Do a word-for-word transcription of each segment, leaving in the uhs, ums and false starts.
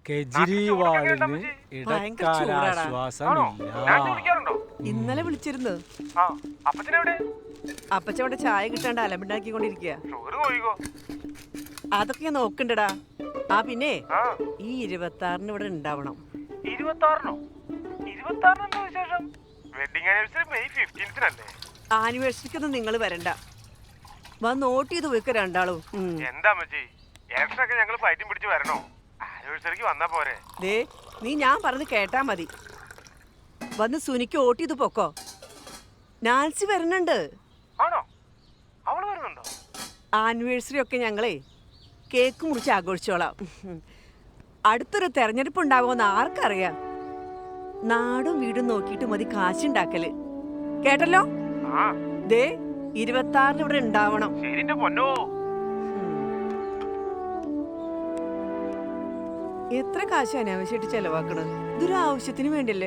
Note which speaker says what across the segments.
Speaker 1: കെജ്രിവാളിന് ഇടക്കാലാശ്വാസമില്ല.
Speaker 2: ഇന്നലെ വിളിച്ചിരുന്നു. അപ്പച്ചവിടെ ചായ കിട്ടാണ്ട് അലമ്പുണ്ടാക്കിക്കൊണ്ടിരിക്കുക. അതൊക്കെ ഞാൻ നോക്കണ്ടടാ. ആ പിന്നെ ഈ ഇരുപത്തി ആറിന് ഇവിടെ ഉണ്ടാവണം. ആനിവേഴ്സറിക്കൊന്നും നിങ്ങൾ വരണ്ട. വന്ന് നോട്ട് ചെയ്ത് പോയിക്ക രണ്ടാളും. ദേ നീ ഞാൻ പറഞ്ഞ് കേട്ടാ മതി. വന്ന് സുനിക്ക് വോട്ട് ചെയ്ത് പൊക്കോ. നാൻസി വരുന്നുണ്ട്. ആനിവേഴ്സറി ഒക്കെ ഞങ്ങളെ കേക്ക് മുറിച്ച് ആഘോഷിച്ചോളാം. അടുത്തൊരു തെരഞ്ഞെടുപ്പ് ഉണ്ടാകുമെന്ന് ആർക്കറിയാം. നാടും വീടും നോക്കിയിട്ട് മതി കാശുണ്ടാക്കല്. കേട്ടല്ലോ? ദേ ഇരുപത്തി ആറിന് ഇവിടെ ഉണ്ടാവണം. എത്ര കാശ് അനാവശ്യമായിട്ട് ചെലവാക്കണത്? ഇതൊരു ആവശ്യത്തിന് വേണ്ടിയല്ലേ?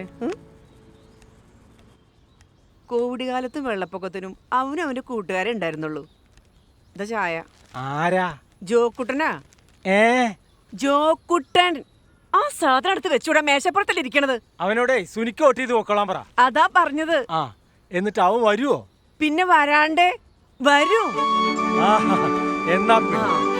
Speaker 2: കോവിഡ് കാലത്തും വെള്ളപ്പൊക്കത്തിനും അവനും അവന്റെ കൂട്ടുകാരെ ഉണ്ടായിരുന്നുള്ളൂ. എന്താ ചായ?
Speaker 1: ആരാ?
Speaker 2: ജോക്കുട്ടനാ.
Speaker 1: ഏ
Speaker 2: ജോക്കുട്ടൻ. ആ സാധനം അടുത്ത് വെച്ചൂടാ, മേശപ്പുറത്തല്ലേ ഇരിക്കണത്.
Speaker 1: അവനോടെ സുനിക്ക് വോട്ട് ചെയ്ത് നോക്കളാൻ പറ.
Speaker 2: അതാ പറഞ്ഞത്.
Speaker 1: ആ എന്നിട്ട് അവൻ വരുവോ?
Speaker 2: പിന്നെ വരാണ്ടേ വരൂ.
Speaker 1: എന്നാ